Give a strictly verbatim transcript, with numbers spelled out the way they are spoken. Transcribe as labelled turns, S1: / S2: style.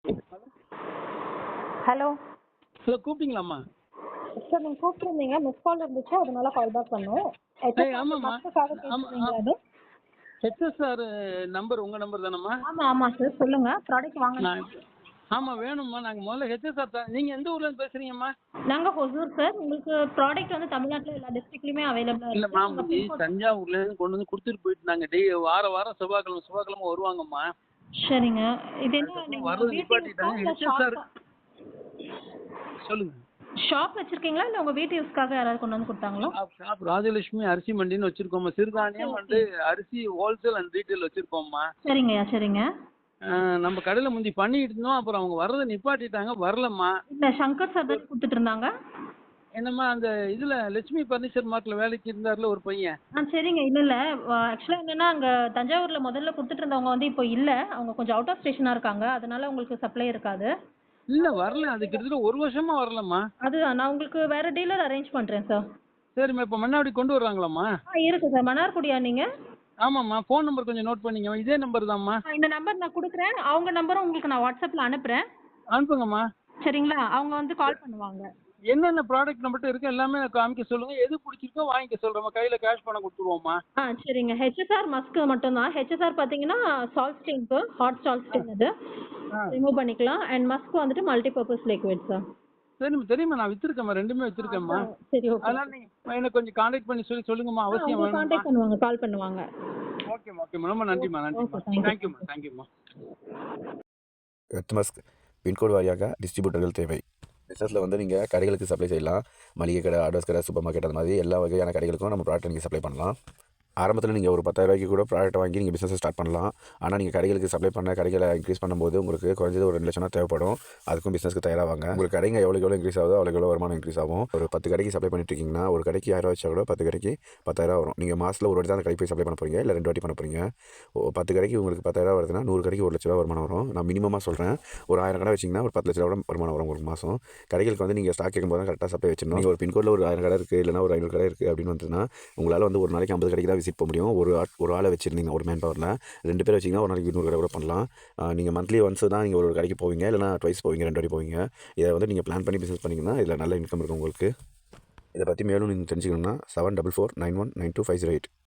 S1: Hello
S2: hello கூப்பிட்டீங்களாம்மா?
S1: Sir நீங்கள் கூப்பிட்ருந்தீங்க, miss call இருந்துச்சு, அதனால கால் பேக் பண்ணோம்.
S2: ஏய் ஆமாம்மா.
S1: மஸ்ட்டுக்காக
S2: ஆமாம்
S1: கேட்டிருந்தீங்களா அது?
S2: ஹெச்எஸ்ஆர் நம்பர் உங்கள் நம்பர் தானம்மா?
S1: ஆமாம் ஆமாம் சார், சொல்லுங்கள். ப்ராடக்ட் வாங்க.
S2: நான் ஆமாம் வேணும்மா. நாங்கள் முதல்ல ஹெச்எஸ்ஆர் தான். நீங்கள் எந்த ஊர்லேருந்து பேசுகிறீங்கம்மா?
S1: நாங்கள் ஹொசூர் சார். உங்களுக்கு ப்ராடக்ட் வந்து தமிழ்நாட்டில் எல்லா டிஸ்ட்ரிக்ட்லையுமே அவைலபிளாக
S2: இல்லைம்மா,
S1: இருக்குது. உங்கள்
S2: முந்தி
S1: பின்கோட்.
S2: தஞ்சாவூர்லேருந்து கொண்டு வந்து கொடுத்துட்டு போயிட்டு நாங்கள் டெய் வாரம் வாரம் செவ்வாய்க்கிழமை செவ்வாய்க்கிழமை வருவாங்கம்மா.
S1: சரிங்க. இது என்ன
S2: அதுக்கப்புறம்
S1: நீங்கள்
S2: வர்றது
S1: வீட்டு யூஸ்க்கா
S2: நிப்பாட்டிட்டாங்க.
S1: இல்லை
S2: ஹெச்எஸ்ஆர்
S1: ஷாப்பா?
S2: சொல்லுங்கள்.
S1: ஷாப் வச்சுருக்கீங்களா இல்லை உங்கள் வீட்டு யூஸ்க்காக யாராவது கொண்டு வந்து கொடுத்தாங்களா?
S2: ஷாப் ஷாப் ராஜலட்சுமி அரிசி மண்டின்னு வச்சுருக்கோம்மா. சிறுதானியம் வந்து அரிசி ஹோல்சேல் அண்ட் ரீட்டைல் வச்சுருக்கோம்மா.
S1: சரிங்கய்யா சரிங்க.
S2: நம்ம கடையில் முந்தி பண்ணிட்டு இருந்தோம். அப்புறம் அவங்க வர்றதை நிப்பாட்டிட்டாங்க. வரலம்மா.
S1: இல்லை சங்கர் சார் தானே கொடுத்துட்டு இருந்தாங்க.
S2: என்னம்மா அந்த இதில் லட்சுமி ஃபர்னிச்சர் மார்ட்டில் வேலைக்கு இருந்தார்ல ஒரு பையன்.
S1: ஆ சரிங்க. இல்லை இல்லை ஆக்சுவலாக என்னென்னா அங்கே தஞ்சாவூரில் முதல்ல கொடுத்துட்டு இருந்தவங்க வந்து இப்போ இல்லை. அவங்க கொஞ்சம் அவுட் ஆஃப் ஸ்டேஷனாக இருக்காங்க. அதனால உங்களுக்கு சப்ளை இருக்காது.
S2: இல்லை வரல. அது கிட்டத்தட்ட ஒரு வருஷமா வரலம்மா.
S1: அது நான் உங்களுக்கு வேறு டீலர் அரேஞ்ச் பண்ணுறேன் சார்.
S2: சரிம்மா. இப்போ மன்னாடி கொண்டு வர்றாங்களாம்மா?
S1: ஆ இருக்குது சார். மன்னார்குடியா நீங்கள்?
S2: ஆமாம்மா. ஃபோன் நம்பர் கொஞ்சம் நோட் பண்ணிங்க. இதே நம்பர் தான்மா.
S1: இந்த நம்பர் நான் கொடுக்குறேன். அவங்க நம்பரும் உங்களுக்கு நான் வாட்ஸ்அப்பில் அனுப்புகிறேன்.
S2: அனுப்புங்கம்மா.
S1: சரிங்களா? அவங்க வந்து கால் பண்ணுவாங்க.
S2: என்னென்ன ப்ராடக்ட் நம்மகிட்ட இருக்கு எல்லாமே காமிக்க சொல்லுங்கள். எது பிடிச்சிருக்கோ வாங்கிக்க சொல்கிறோம்மா. கையில் கேஷ் பணம் கொடுத்துருவோம்மா.
S1: ஆ சரிங்க. ஹெச்எஸ்ஆர் மஸ்க்கு மட்டும்தான். ஹெச்எஸ்ஆர் பார்த்தீங்கன்னா சால்ட் ஸ்டெயின்க்கு ஹாட் சால்ட் ஸ்டெயின் அது ரிமூவ் பண்ணிக்கலாம். அண்ட் மஸ்க்கு வந்துட்டு மல்டி பர்பஸ் லிக்விட் சார்.
S2: சரிம்மா தெரியுமா. நான் வச்சிருக்கேம்மா. ரெண்டுமே வச்சிருக்கேம்மா.
S1: சரி ஓகே.
S2: அதனால் நீங்கள் எனக்கு கொஞ்சம் கான்டாக்ட் பண்ணி சொல்லி சொல்லுங்கம்மா. அவசியம் வேணும்மா.
S1: கான்டாக்ட் பண்ணுவாங்க, கால் பண்ணுவாங்க.
S2: ஓகேம்மா ஓகேம்மா. ரொம்ப நன்றிம்மா நன்றிம்மா.
S1: Okay, thank you.
S2: தேங்க்யூம்மா தேங்க்யூம்மா.
S3: எர்த் பின்கோடு வாரியாக டிஸ்ட்ரிபியூட்டர்கள் தேவை. பிஸ்னஸில் வந்து நீங்கள் கடைகளுக்கு சப்ளை செய்யலாம். மளிகை கடை, ஆர்டர்ஸ் கடை, சூப்பர் மார்க்கெட் அந்த மாதிரி எல்லா வகையான கடைகளுக்கும் நம்ம ப்ராடக்ட் நீங்கள் சப்ளை பண்ணலாம். ஆரம்பத்தில் நீங்கள் ஒரு பத்தாயிரம் ரூபாய்க்கு கூட ப்ராடக்ட் வாங்கி நீங்கள் பிஸ்னஸை ஸ்டார்ட் பண்ணலாம். ஆனால் நீங்கள் கடைகளுக்கு சப்ளை பண்ண கடைகளை இன்க்ரீஸ் பண்ணும்போது உங்களுக்கு குறைஞ்சது ஒரு ரெண்டு லட்சம் தேவைப்படும். அதுக்கும் பிஸ்னஸ்க்கு தயாராவாங்க. உங்களுக்கு கடைங்க எவ்வளோ எவ்வளோ இன்க்ரீஸ் ஆகுதோ அவ்வளோ எவ்வளோ வருமானம் இன்க்ரீஸ் ஆகும். ஒரு பத்து கடைக்கு சப்ளை பண்ணிட்டு இருக்கீங்கன்னா ஒரு கடைக்கு ஆயிரம் வச்சா கூட பத்து கடைக்கு பத்தாயிரம் வரும். நீங்கள் மாதத்தில் ஒரு வாட்டி தான் அந்த கடைக்கு போய் சப்ளை பண்ண போகிறீங்க, இல்லை ரெண்டு வாட்டி பண்ண போகிறீங்க. பத்து கடைக்கு உங்களுக்கு பத்தாயிரம் வருதுன்னா நூறு கடைக்கு ஒரு லட்ச ரூபா வருமானம் வரும். நான் மினிமமாக சொல்கிறேன். ஒரு ஆயிரம் கடை வச்சிங்கன்னா ஒரு பத்து லட்ச ரூபா வருமானம் வரும் உங்களுக்கு மாதம். கடைகளுக்கு வந்து நீங்கள் ஸ்டாக் கேட்கும்போது தான் கரெக்டாக சப்ளை வச்சிடணும். நீங்கள் ஒரு பின்கோடில் ஒரு ஆயிரம் கடை இருக்குது, இல்லைனா ஒரு ஐநூறு கடை இருக்குது அப்படின்னு வந்துன்னா உங்களால் வந்து ஒரு நாளைக்கு ஐம்பது கடைக்கு தான் விசிட் போக முடியும். ஒரு ஒரு ஆளை வச்சுருந்தீங்க ஒரு மேன் பவரில் ரெண்டு பேர் வச்சிங்கன்னா ஒரு நாளைக்கு நூறு கடை கூட பண்ணலாம். நீங்கள் மந்த்லி ஒன்ஸ் தான் நீங்கள் ஒரு கடைக்கு போவீங்க, இல்லைனா ட்வைஸ் போவீங்க, ரெண்டு வாட்டி போவீங்க. இதை வந்து நீங்கள் பிளான் பண்ணி பிஸ்னஸ் பண்ணிங்கன்னா இதில் நல்ல இன்கம் இருக்கும் உங்களுக்கு. இதை பற்றி மேலும் நீங்கள் தெரிஞ்சுக்கணுன்னா seven double four nine one nine two five zero eight